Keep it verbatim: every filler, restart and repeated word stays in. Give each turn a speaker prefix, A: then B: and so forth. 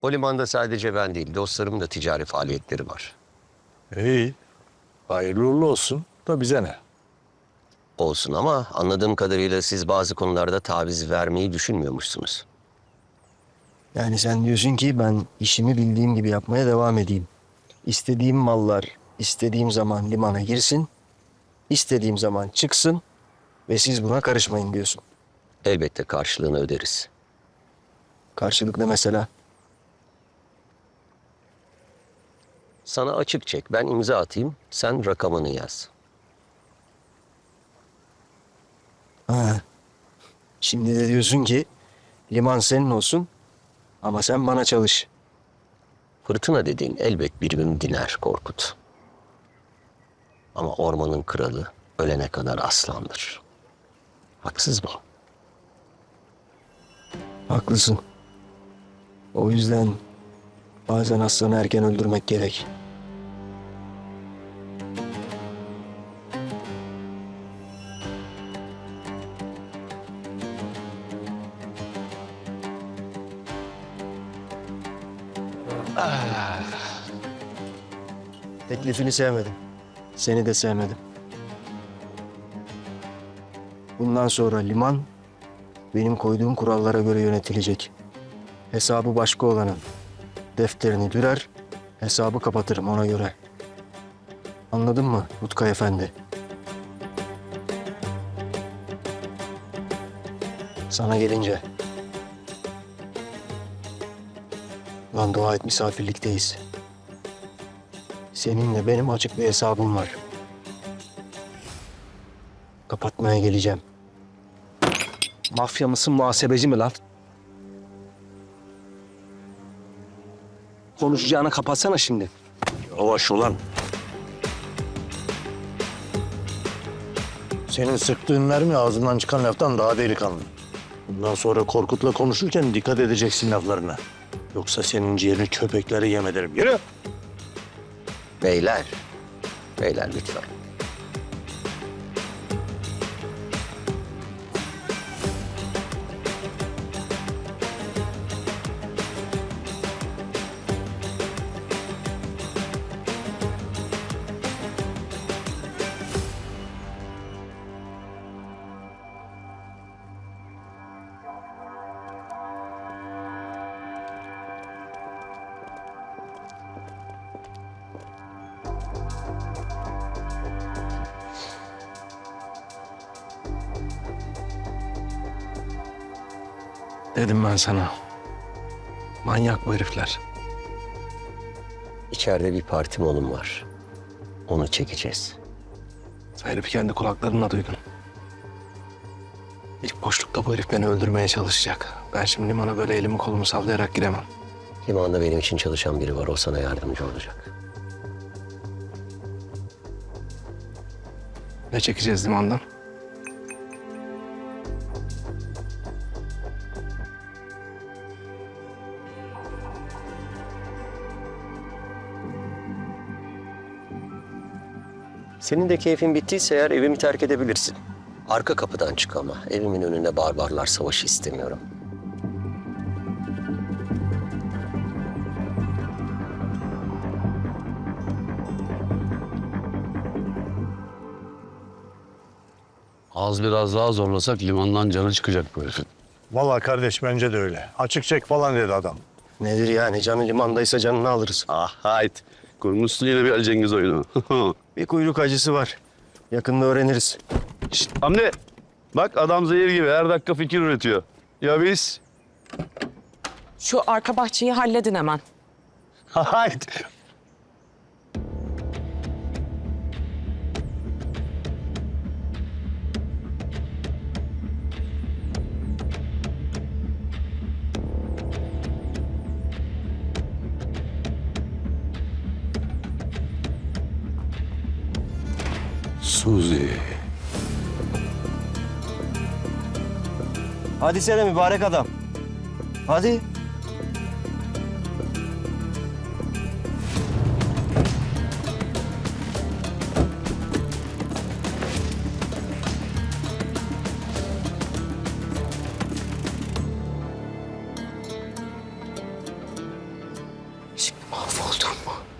A: O limanda sadece ben değil, dostlarımın da ticari faaliyetleri var.
B: İyi. Hayırlı uğurlu olsun da bize ne?
A: Olsun ama anladığım kadarıyla siz bazı konularda taviz vermeyi düşünmüyormuşsunuz.
C: Yani sen diyorsun ki ben işimi bildiğim gibi yapmaya devam edeyim. İstediğim mallar istediğim zaman limana girsin, istediğim zaman çıksın ve siz buna karışmayın diyorsun.
A: Elbette karşılığını öderiz.
C: Karşılık ne mesela?
A: Sana açık çek, ben imza atayım, sen rakamını yaz.
C: Ha. Şimdi de diyorsun ki liman senin olsun ama sen bana çalış.
A: Fırtına dediğin elbet bir gün diner Korkut. Ama ormanın kralı ölene kadar aslandır. Haksız mı?
C: Haklısın. O yüzden bazen aslanı erken öldürmek gerek. Teklifini sevmedim. Seni de sevmedim. Bundan sonra liman benim koyduğum kurallara göre yönetilecek. Hesabı başka olanın defterini dürer, hesabı kapatırım ona göre. Anladın mı Utkay Efendi? Sana gelince. Lan dua et misafirlikteyiz. Seninle benim açık bir hesabım var. Kapatmaya geleceğim.
D: Mafya mısın, muhasebeci mi lan? Konuşacağını kapatsana şimdi.
B: Yavaş ulan. Senin sıktığın mermi ağzından çıkan laftan daha delikanlı. Bundan sonra Korkut'la konuşurken dikkat edeceksin laflarına. Yoksa senin ciğerini köpeklere yem ederim. Yürü!
A: Beyler, beyler lütfen.
D: Dedim ben sana. Manyak bu herifler.
A: İçeride bir parti molum var. Onu çekeceğiz.
D: Sen herifi kendi kulaklarınla duydun. İlk boşlukta bu herif beni öldürmeye çalışacak. Ben şimdi limana böyle elimi kolumu sallayarak giremem.
A: Limanda benim için çalışan biri var, o sana yardımcı olacak.
D: Ne çekeceğiz limandan?
A: Senin de keyfin bittiyse eğer evimi terk edebilirsin. Arka kapıdan çık ama evimin önünde barbarlar savaşı istemiyorum.
E: Az biraz daha zorlasak limandan canı çıkacak bu herifin.
B: Vallahi kardeş bence de öyle. Açık çek falan dedi adam.
C: Nedir yani canı limandaysa canını alırız.
E: Ah hayt. Kurmuşsun yine bir Ali Cengiz oyunu.
C: Bir kuyruk acısı var. Yakında öğreniriz.
E: Şişt, Hamdi. Bak adam zehir gibi her dakika fikir üretiyor. Ya biz?
F: Şu arka bahçeyi halledin hemen.
B: Hayt.
E: Suzi.
C: Hadi sene mübarek adam. Hadi.
F: Şimdi mahvoldum mu?